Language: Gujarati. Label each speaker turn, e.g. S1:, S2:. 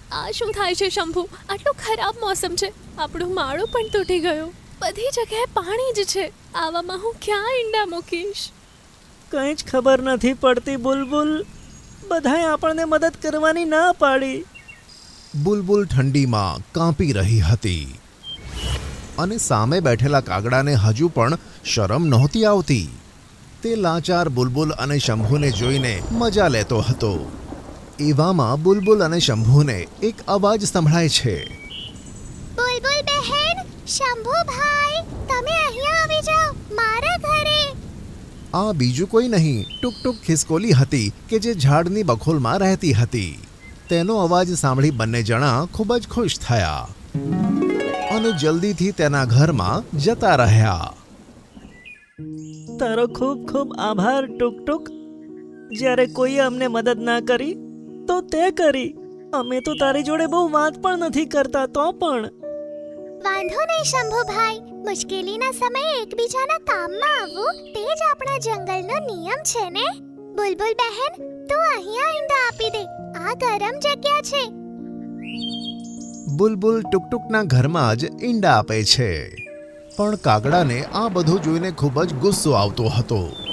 S1: આ શું થાય છે શંભુ? આટલું ખરાબ મોસમ છે, આપણું માળું પણ તૂટી ગયું, બધી જગ્યાએ પાણી જ છે. આવામાં હું ક્યાં ઈંડા મૂકીશ?
S2: કંઈ જ ખબર નથી પડતી બુલબુલ. બધાએ આપણને મદદ કરવાની ના પાડી.
S3: બુલબુલ ઠંડીમાં કાંપી રહી હતી અને સામે બેઠેલા કાગડાને હજુ પણ શરમ નહોતી આવતી. તે લાચાર બુલબુલ અને શંભુને જોઈને મજા લેતો હતો. એવામાં બુલબુલ અને શંભુને એક અવાજ સંભળાય છે.
S4: બુલબુલ બહેન, શંભુભાઈ, તમે અહીંયા આવી જાઓ મારા ઘરે.
S3: આ બીજું કોઈ નહીં, ટુક ટુક ખિસકોલી હતી કે જે ઝાડની બખોલમાં રહેતી હતી. તેનો અવાજ સાંભળી બંને જણા ખૂબ જ ખુશ થયા અને જલ્દીથી તેના ઘરમાં જતા રહ્યા.
S2: તારો ખૂબ ખૂબ આભાર ટુક ટુક. જ્યારે કોઈએ અમને મદદ ના કરી તો તે કરી. અમે તો તારી જોડે બહુ વાત પણ નથી કરતા તો પણ.
S4: વાંધો નહીં શંભુભાઈ, મુશ્કેલીના સમયે એકબીજાના કામમાં આવવું તે જ આપણા જંગલનો નિયમ છે ને. બુલબુલ બહેન, તું અહીંયા ઈંડા આપી દે, આ ગરમ જગ્યા છે.
S3: બુલબુલ ટુકટુકના ઘરમાં જ ઈંડા આપે છે. પણ કાગડાને આ બધું જોઈને ખૂબ જ ગુસ્સો આવતો હતો.